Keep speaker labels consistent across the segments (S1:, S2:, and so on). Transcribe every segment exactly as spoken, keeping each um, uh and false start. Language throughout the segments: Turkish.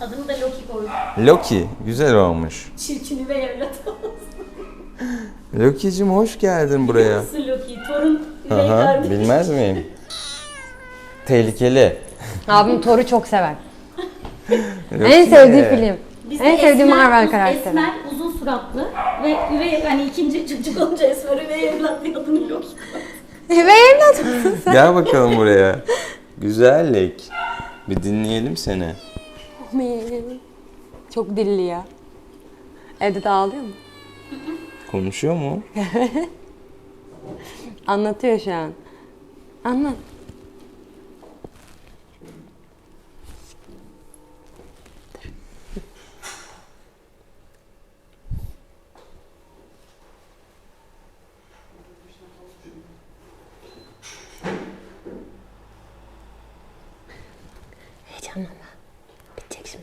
S1: Adını da Loki koydum.
S2: Loki, güzel olmuş.
S1: Çirkin üvey evlat olsun.
S2: Loki'cim hoş geldin buraya.
S1: Nasıl Loki? Torun üvey
S2: Aha,
S1: kardeş.
S2: bilmez miyim? Tehlikeli.
S3: Abim Thor'u çok sever.
S2: Loki.
S3: En sevdiği film.
S1: Bizde
S3: En sevdiğim
S1: Esmer-
S3: Marvel karakteri.
S1: Esmer, uzun suratlı ve üvey, hani ikinci çocuk olunca Esmer üvey evlat diye adını Loki koydu.
S3: Ve evlat mısın sen?
S2: Gel bakalım buraya. Güzellik. Bir dinleyelim seni.
S3: Çok dilli ya. Evde de ağlıyor mu?
S2: Konuşuyor mu?
S3: Anlatıyor şu an. Anlat. Heyecanlanma. Bitecek şimdi.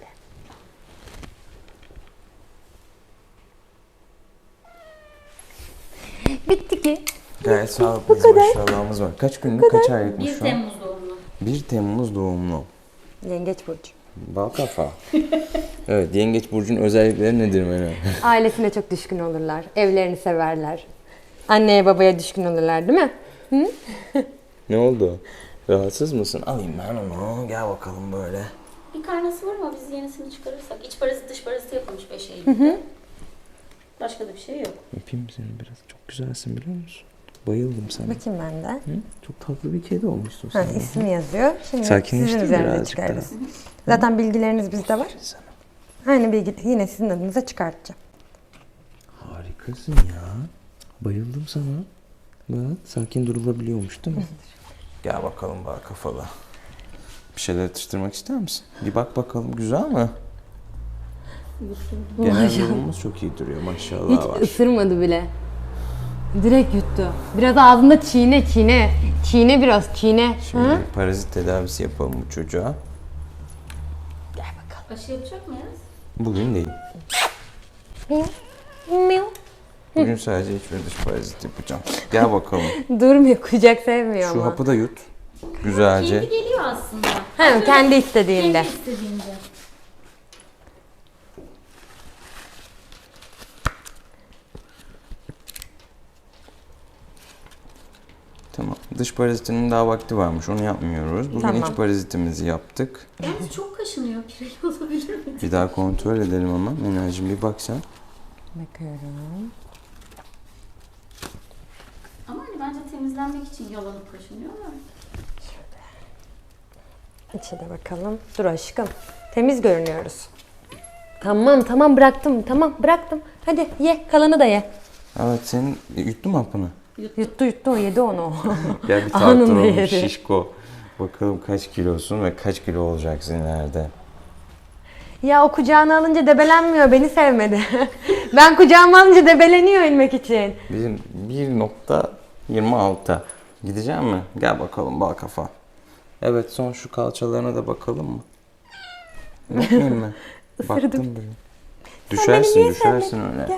S3: Bitti ki.
S2: Gayet sağlıklıyız, maşallahımız var. Kaç günlük, kaç aylıkmış
S1: bir
S2: şu an?
S1: Temmuz doğumlu.
S2: bir Temmuz doğumlu.
S3: Yengeç burcu.
S2: Bal kafa. Evet, Yengeç burcunun özellikleri nedir Meral?
S3: Ailesine çok düşkün olurlar. Evlerini severler. Anneye babaya düşkün olurlar değil mi? Hı?
S2: Ne oldu? Rahatsız mısın? Alayım ben onu. Gel bakalım böyle.
S1: Bir karnesi var ama biz yenisini çıkarırsak. İç parazit dış parazit yapılmış beş Eylül'de. Başka da bir şey yok.
S2: Öpeyim seni biraz. Çok güzelsin biliyor musun? Bayıldım sana.
S3: Bakayım ben de.
S2: Hı? Çok tatlı bir kedi olmuşsun
S3: Ha,
S2: sen.
S3: ismi yazıyor. Şimdi
S2: Sakinleştir
S3: sizin üzerine
S2: birazcık
S3: çıkarız. Zaten bilgileriniz bizde var.
S2: Sana.
S3: Aynı bilgi yine sizin adınıza çıkartacağım.
S2: Harikasın ya. Bayıldım sana. Bak, sakin durulabiliyormuş değil mi? Gel bakalım bak kafalı. Bir şeyler atıştırmak ister misin? Bir bak bakalım, güzel mi? Genel durumumuz çok iyi duruyor maşallah
S3: Hiç
S2: var.
S3: ısırmadı bile. Direkt yuttu. Biraz ağzında çiğne çiğne. Çiğne biraz çiğne.
S2: Şimdi
S3: Hı?
S2: parazit tedavisi yapalım bu çocuğa.
S3: Gel bakalım.
S1: Aşı yapacak mıyız?
S2: Bugün değil.
S3: Miau. Miau.
S2: Bugün sadece iç ve dış parazit yapacağım. Gel bakalım.
S3: Durmuyor, kucak sevmiyor
S2: Şu
S3: ama.
S2: hapı da yut. Güzelce.
S1: Kendi geliyor aslında.
S3: Ha, kendi istediğinde.
S1: Kendi istediğinde.
S2: Tamam. Dış parazitinin daha vakti varmış. Onu yapmıyoruz. Bugün
S3: Tamam.
S2: iç parazitimizi yaptık.
S1: Yalnız çok kaşınıyor. Pireli olabilir mi?
S2: Bir daha kontrol edelim ama. Menacığım bir bak sen.
S3: Bakıyorum.
S1: Ama hani bence temizlenmek için yalanıp kaşınıyor ama.
S3: İçe de bakalım. Dur aşkım. Temiz görünüyoruz. Tamam tamam bıraktım. Tamam bıraktım. Hadi ye. Kalanı da ye.
S2: Evet, senin yuttun mu hapını?
S3: Yuttu yuttu o yedi onu.
S2: Gel bir
S3: Anında
S2: tartılalım
S3: yedi.
S2: şişko. Bakalım kaç kilosun ve kaç kilo olacaksın ileride.
S3: Ya o kucağına alınca debelenmiyor. Beni sevmedi. Ben kucağıma alınca debeleniyor inmek için.
S2: Bizim bir nokta yirmi altı. Gidecek mi? Gel bakalım bal kafa. Evet, son şu kalçalarına da bakalım mı? Bakmayayım mı? Baktım bile. Düşersin,
S3: niye
S2: düşersin
S3: sevmedin?
S2: öyle.
S3: Gel.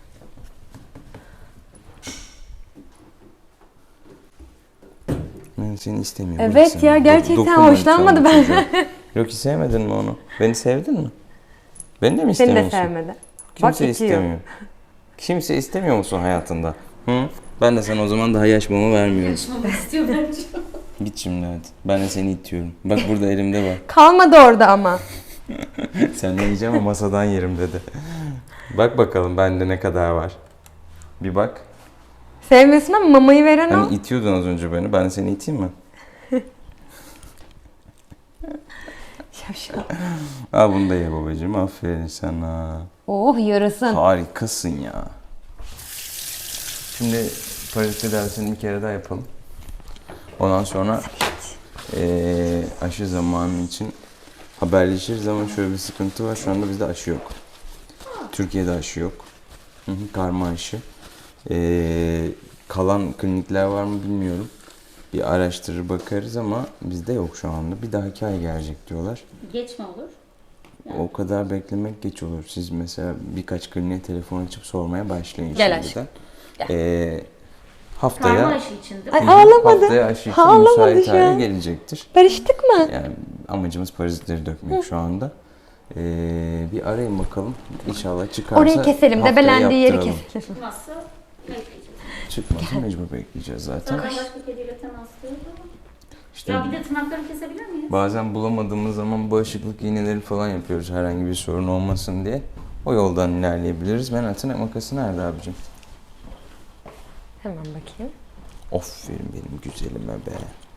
S2: Ben seni istemiyorum.
S3: Evet
S2: bırak seni.
S3: ya,
S2: Do-
S3: gerçekten
S2: dokunma
S3: hoşlanmadı
S2: lütfen bu
S3: benden.
S2: çocuğa. Yok ki, sevmedin mi onu? Beni sevdin mi? Beni de mi
S3: Seni de
S2: istemiyorsun?
S3: sevmedi.
S2: Kimse
S3: Bak itiyor.
S2: istemiyor. Kimse istemiyor musun hayatında? Hı? Ben de sana o zaman daha yaş mama vermiyorum.
S1: Kaşımamak istiyor bence.
S2: Git şimdi hadi. Ben de seni itiyorum. Bak burada elimde var.
S3: Kalmadı orada ama.
S2: Sen ne yiyeceğim ama masadan yerim dedi. Bak bakalım bende ne kadar var. Bir bak.
S3: Sevmiyorsun ama mamayı veren o.
S2: Hani itiyordun az önce beni. Ben seni iteyim mi?
S3: Şapşal.
S2: Al bunu da ye babacığım. Aferin sana.
S3: Oh yarasın.
S2: Harikasın ya. Şimdi parazit tedavisini bir kere daha yapalım. Ondan sonra eee aşı zamanı için haberleşiriz ama şöyle bir sıkıntı var. Şu anda bizde aşı yok. Türkiye'de aşı yok. Hı hı, karma aşı. Eee, kalan klinikler var mı bilmiyorum. Bir araştırır bakarız ama bizde yok şu anda. Bir dahaki ay gelecek diyorlar.
S1: Geç mi olur?
S2: O kadar beklemek geç olur. Siz mesela birkaç kliniğe telefon açıp sormaya başlayın
S3: Gel
S2: şimdiden.
S3: Gel.
S2: Ee,
S1: Karma
S2: haftaya
S1: aşı için değil mi?
S3: Ay,
S2: Hı hı,
S3: ağlamadı.
S2: haftaya aşı için
S3: Ağlamadı
S2: müsait
S3: şu
S2: hale
S3: an.
S2: gelecektir.
S3: Barıştık mı?
S2: Yani amacımız parazitleri dökmek şu anda. Ee, bir arayın bakalım. İnşallah çıkarsa
S3: Orayı keselim.
S2: haftaya
S3: Debelendiği yeri
S2: yaptıralım.
S3: keselim.
S1: Çıkmazsa bekleyeceğiz.
S2: Çıkmasa mecbur bekleyeceğiz zaten.
S1: Zaten başka kediyle temaslıyız ama.
S2: İşte
S1: Ya bir de tırnaklarını kesebilir miyiz?
S2: bazen bulamadığımız zaman bağışıklık iğneleri falan yapıyoruz herhangi bir sorun olmasın diye. O yoldan ilerleyebiliriz. Ben tırnak makası nerede abicim?
S3: Hemen bakayım.
S2: Aferin benim güzelime be.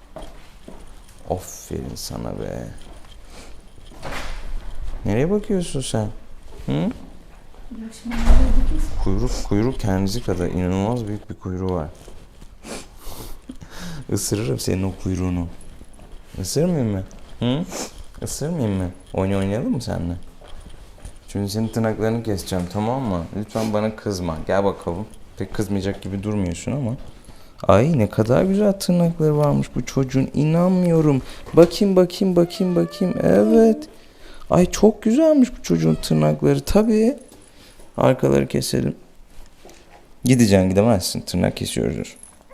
S2: Aferin sana be. Nereye bakıyorsun sen? Hı? Kuyruk, kuyruk kendisi kadar inanılmaz büyük bir kuyruğu var. Isırırım senin o kuyruğunu. Isırmayayım mı? Hı? Isırmayayım mı? Oyun oynayalım mı seninle? Çünkü senin tırnaklarını keseceğim, tamam mı? Lütfen bana kızma. Gel bakalım. Pek kızmayacak gibi durmuyorsun ama. Ay ne kadar güzel tırnakları varmış bu çocuğun. İnanmıyorum. Bakayım bakayım bakayım bakayım. Evet. Ay çok güzelmiş bu çocuğun tırnakları. Tabii. Arkaları keselim. Gideceksin, gidemezsin. Tırnak kesiyoruz.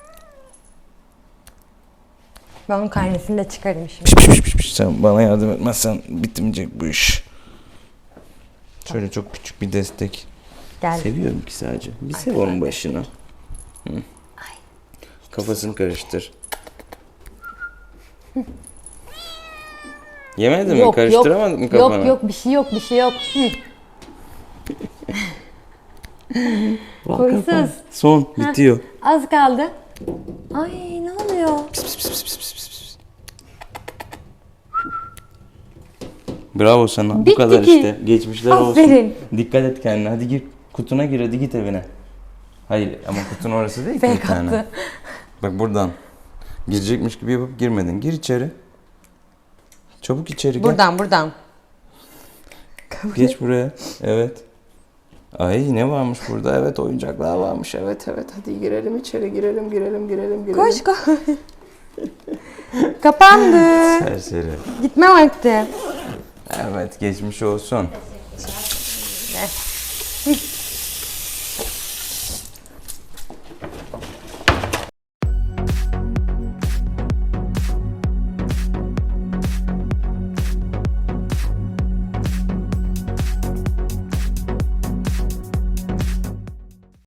S3: Ben onun karnesini de çıkarayım şimdi.
S2: Piş piş piş piş piş. Sen bana yardım etmezsen bitmeyecek bu iş. Şöyle çok küçük bir destek.
S3: Gel.
S2: Seviyorum ki sadece. Bir sev onun başını. Hı. Kafasını karıştır. Yemedin mi? Karıştıramadın mı kafanı?
S3: Yok yok bir şey yok bir şey yok. Hı.
S2: Bak
S3: Huysuz.
S2: kafan. Son. Bitiyor.
S3: Az kaldı. Ay ne oluyor?
S2: Pis, pis, pis, pis, pis, pis, pis. Bravo sana. Bu
S3: Bitti
S2: kadar
S3: ki.
S2: işte. Geçmişler olsun.
S3: Aferin.
S2: Dikkat et kendine. Hadi gir. Kutuna gir. Hadi git evine. Hayır ama kutun orası değil ki bir
S3: Fake
S2: tane.
S3: attı.
S2: Bak buradan. Girecekmiş gibi yapıp girmedin. Gir içeri. Çabuk içeri gel.
S3: Buradan buradan.
S2: Geç buraya. Evet. Ay ne varmış burada? Evet oyuncaklar varmış. Evet evet. Hadi girelim içeri. Girelim girelim girelim girelim.
S3: Koş koş. Kapandı.
S2: Serseri.
S3: Gitme vakti.
S2: Evet geçmiş olsun.